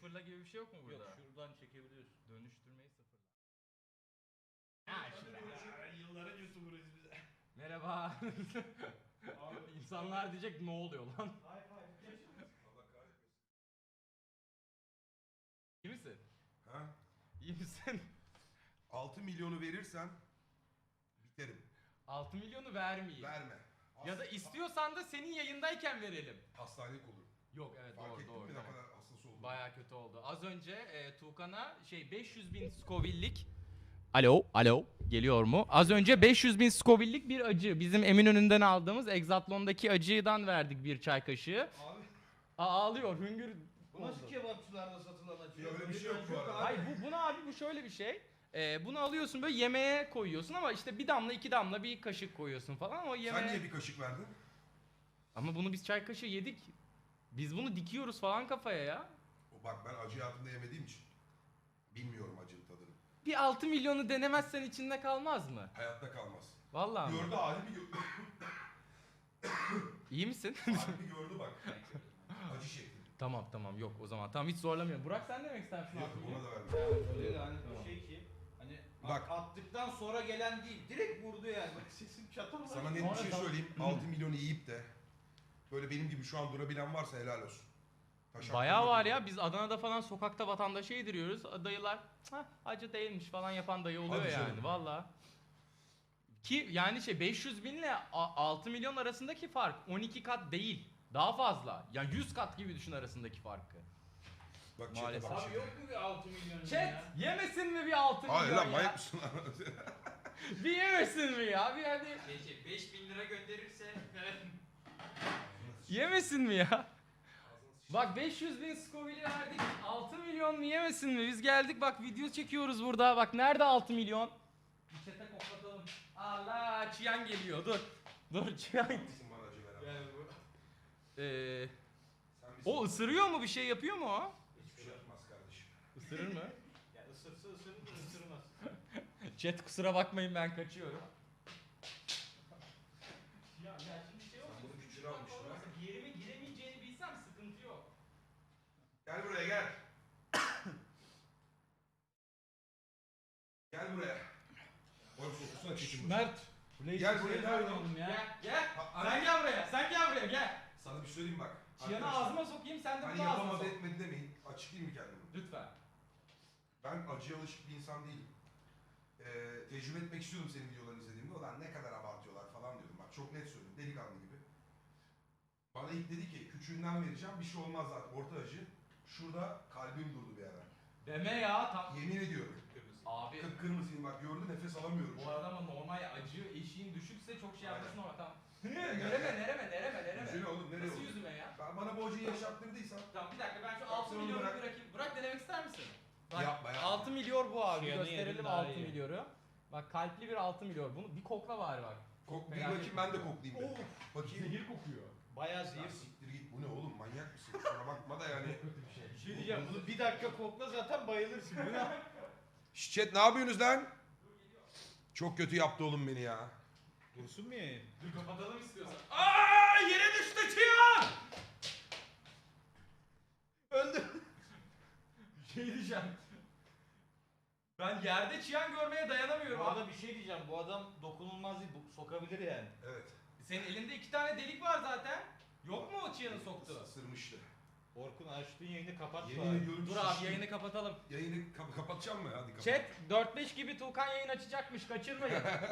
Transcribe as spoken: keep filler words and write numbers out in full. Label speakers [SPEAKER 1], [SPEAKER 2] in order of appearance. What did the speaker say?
[SPEAKER 1] Sıfırla gibi bir şey yok mu burada?
[SPEAKER 2] Yok, şuradan çekebiliyorsun.
[SPEAKER 1] Dönüştürmeyi sıfırla.
[SPEAKER 2] Ha işte.
[SPEAKER 3] Yılların YouTuber'ıyız biz.
[SPEAKER 1] Merhaba. İnsanlar diyecek ne oluyor lan?
[SPEAKER 3] High five.
[SPEAKER 4] Allah kahretmesin.
[SPEAKER 1] İyi misin?
[SPEAKER 4] Ha?
[SPEAKER 1] İyi misin?
[SPEAKER 4] altı milyonu verirsen biterim.
[SPEAKER 1] altı milyonu vermeyeyim.
[SPEAKER 4] Verme.
[SPEAKER 1] Ya da istiyorsan da senin yayındayken verelim.
[SPEAKER 4] Hastanelik olur.
[SPEAKER 1] Yok evet
[SPEAKER 4] Fark
[SPEAKER 1] doğru
[SPEAKER 4] ettin
[SPEAKER 1] doğru.
[SPEAKER 4] mi ne
[SPEAKER 1] tamam.
[SPEAKER 4] kadar hassas olduğunu?
[SPEAKER 1] Baya kötü oldu. Az önce e, Tuğkan'a şey beş yüz bin Scoville'lik. Alo, alo. Geliyor mu? Az önce beş yüz bin Scoville'lik bir acı. Bizim Eminönü'nden aldığımız Exatlon'daki acıdan verdik bir çay kaşığı.
[SPEAKER 2] Abi
[SPEAKER 1] Aa, ağlıyor, hüngür
[SPEAKER 2] bu nasıl
[SPEAKER 1] oldu.
[SPEAKER 2] kebapçılarda satılan acı?
[SPEAKER 4] Ya öyle bir şey yok bu arada.
[SPEAKER 1] Hayır bu, bunu abi bu şöyle bir şey. Ee, bunu alıyorsun böyle yemeğe koyuyorsun ama işte bir damla iki damla bir kaşık koyuyorsun falan ama yemeğe...
[SPEAKER 4] Sen niye bir kaşık verdin?
[SPEAKER 1] Ama bunu biz çay kaşığı yedik. Biz bunu dikiyoruz falan kafaya ya.
[SPEAKER 4] O bak ben acı hayatımda yemediğim için bilmiyorum acının tadını.
[SPEAKER 1] Bir altı milyonu denemezsen içinde kalmaz mı?
[SPEAKER 4] Hayatta kalmaz.
[SPEAKER 1] Vallahi mi?
[SPEAKER 4] Gördü halimi gördü.
[SPEAKER 1] İyi misin?
[SPEAKER 4] halimi gördü bak. Acı şekli.
[SPEAKER 1] Tamam tamam yok o zaman. Tamam hiç zorlamıyorum. Burak sen ne demek istersin
[SPEAKER 4] Yok
[SPEAKER 1] altı milyon?
[SPEAKER 4] ona da verme.
[SPEAKER 2] Öyle de hani
[SPEAKER 1] Tamam.
[SPEAKER 2] bir şey ki hani
[SPEAKER 4] Bak.
[SPEAKER 2] attıktan sonra gelen değil, direkt vurdu yani. Bak sesim çatırdı.
[SPEAKER 4] Sana net
[SPEAKER 1] Sonra
[SPEAKER 4] bir şey
[SPEAKER 1] da-
[SPEAKER 4] söyleyeyim. altı milyonu yiyip de böyle benim gibi şu an durabilen varsa helal olsun. Taşak
[SPEAKER 1] Bayağı
[SPEAKER 4] durmadı
[SPEAKER 1] var
[SPEAKER 4] bu.
[SPEAKER 1] ya biz Adana'da falan sokakta vatandaşa yediriyoruz. Dayılar "Hah, acı değilmiş falan yapan dayı oluyor
[SPEAKER 4] Hadi
[SPEAKER 1] yani
[SPEAKER 4] canım.
[SPEAKER 1] valla. Ki yani şey beş yüz bin ile a- altı milyon arasındaki fark on iki kat değil. Daha fazla. Yani yüz kat gibi düşün arasındaki farkı.
[SPEAKER 4] Bak çete
[SPEAKER 1] Maalesef.
[SPEAKER 4] bak
[SPEAKER 2] Abi
[SPEAKER 4] çete.
[SPEAKER 2] yok mu bir altı milyon
[SPEAKER 1] Chat
[SPEAKER 2] ya?
[SPEAKER 1] yemesin mi bir altı
[SPEAKER 4] Hayır
[SPEAKER 1] milyon
[SPEAKER 4] lan
[SPEAKER 1] ya?
[SPEAKER 4] manyak mısın lan?
[SPEAKER 1] Bir yemesin mi ya? Bir hadi
[SPEAKER 5] Peki beş bin lira gönderirse
[SPEAKER 1] yemesin mi ya? Bak beş yüz bin Scoville'i verdik. altı milyon mu yemesin mi? Biz geldik bak video çekiyoruz burada. Bak nerede altı milyon? Bir çete koklatalım. Allah Çiyan geliyor dur. Dur Çiyan.
[SPEAKER 4] Haklısın bana acı veren.
[SPEAKER 2] Yani bu
[SPEAKER 1] Ee,
[SPEAKER 4] Sen bir
[SPEAKER 1] o ısırıyor mu bir şey yapıyor mu o?
[SPEAKER 4] hiçbir şey yapmaz kardeşim.
[SPEAKER 1] Isırır mı?
[SPEAKER 2] ya ısırsa ısırır da ısırmaz.
[SPEAKER 1] Chat kusura bakmayın ben kaçıyorum. Ya, ya şimdi şey
[SPEAKER 4] Sen
[SPEAKER 1] olsun.
[SPEAKER 4] bunu küçüğe almışsın ha.
[SPEAKER 1] Bir yerime giremeyeceğini bilsem sıkıntı yok.
[SPEAKER 4] Gel buraya gel. Gel buraya. Oğlum sokusana çekim.
[SPEAKER 3] Mert.
[SPEAKER 4] Gel buraya gel.
[SPEAKER 1] Gel gel.
[SPEAKER 4] Ha,
[SPEAKER 1] Sen
[SPEAKER 4] hani-
[SPEAKER 1] gel buraya. Sen gel buraya gel.
[SPEAKER 4] Sana bir şey söyleyeyim bak.
[SPEAKER 1] Çiyanı
[SPEAKER 4] Arkadaşlar,
[SPEAKER 1] ağzıma sokayım sen de
[SPEAKER 4] Hani
[SPEAKER 1] bunu ağzına sok.
[SPEAKER 4] yapamadı etmedi demeyin. Açıklayayım mı kendimi?
[SPEAKER 1] Lütfen.
[SPEAKER 4] Ben acıya alışık bir insan değilim. Ee, tecrübe etmek istiyordum senin videolarını izlediğimde. Ulan ne kadar abartıyorlar falan diyordum. Bak çok net söylüyorum. Delikanlı gibi. Bana ilk dedi ki küçüğünden vereceğim. Bir şey olmaz zaten. Orta acı. Şurada kalbim durdu bir ara.
[SPEAKER 1] Deme ya. Tam...
[SPEAKER 4] Yemin ediyorum.
[SPEAKER 1] Abi
[SPEAKER 4] Kıpkırmızıyım bak gördün nefes alamıyorum.
[SPEAKER 1] bu arada ama normal acı eşiğin düşükse çok şey yapmasın ama tamam.
[SPEAKER 4] Gel, gel,
[SPEAKER 1] nereme
[SPEAKER 4] gel.
[SPEAKER 1] nereme nereme nereme.
[SPEAKER 4] Yüzüne oğlum nereye
[SPEAKER 1] Nasıl
[SPEAKER 4] oğlum?
[SPEAKER 1] yüzüme ya?
[SPEAKER 4] Ben bana bu acıyı yaşattırdıysan
[SPEAKER 1] Tamam bir dakika ben şu
[SPEAKER 4] Bak,
[SPEAKER 1] altı
[SPEAKER 4] sen onu
[SPEAKER 1] milyonu
[SPEAKER 4] bırak.
[SPEAKER 1] bırakayım. Bırak denemek ister misin? Bak,
[SPEAKER 4] Yapma, yapma.
[SPEAKER 1] altı milyon bu abi.
[SPEAKER 2] Çiyanı
[SPEAKER 1] Gösterelim
[SPEAKER 2] yedim, daha
[SPEAKER 1] altı
[SPEAKER 2] iyi.
[SPEAKER 1] milyoru. Bak kalpli bir altı milyon. Bunu bir kokla bari bak.
[SPEAKER 4] kok, bir
[SPEAKER 1] Merak
[SPEAKER 4] bakayım
[SPEAKER 1] etme.
[SPEAKER 4] ben de koklayayım. bir. Bakayım.
[SPEAKER 1] kokuyor.
[SPEAKER 2] Bayağı
[SPEAKER 4] Ya
[SPEAKER 2] zehir.
[SPEAKER 4] siktir git bu ne oğlum manyak mısın? Kusura bakma da yani.
[SPEAKER 2] Bir şey diyeceğim, bunu bir dakika kokla zaten bayılırsın. Bu ne?
[SPEAKER 4] Şşş chat ne yapıyorsunuz lan? Çok kötü yaptı oğlum beni ya.
[SPEAKER 2] Dursun mu yayın?
[SPEAKER 1] Dur kapatalım istiyorsan. Aa yere düştü Çiyan!
[SPEAKER 2] Öldü.
[SPEAKER 1] Bir şey diyeceğim. Ben yerde Çiyan görmeye dayanamıyorum
[SPEAKER 2] Bu
[SPEAKER 1] abi.
[SPEAKER 2] arada bir şey diyeceğim, bu adam dokunulmaz değil, bu sokabilir yani.
[SPEAKER 4] Evet.
[SPEAKER 1] Senin elinde iki tane delik var zaten. Yok mu o Çiyan'ı soktu?
[SPEAKER 4] Isırmıştı.
[SPEAKER 2] Orkun açtığın yayını kapat
[SPEAKER 4] Yemin
[SPEAKER 2] bari.
[SPEAKER 4] ediyorum
[SPEAKER 1] Dur abi
[SPEAKER 4] şiştim.
[SPEAKER 1] yayını kapatalım.
[SPEAKER 4] Yayını kap- kapatacağım mı? Hadi kapat.
[SPEAKER 1] Chat dört beş gibi Tuğkan yayın açacakmış kaçırmayın.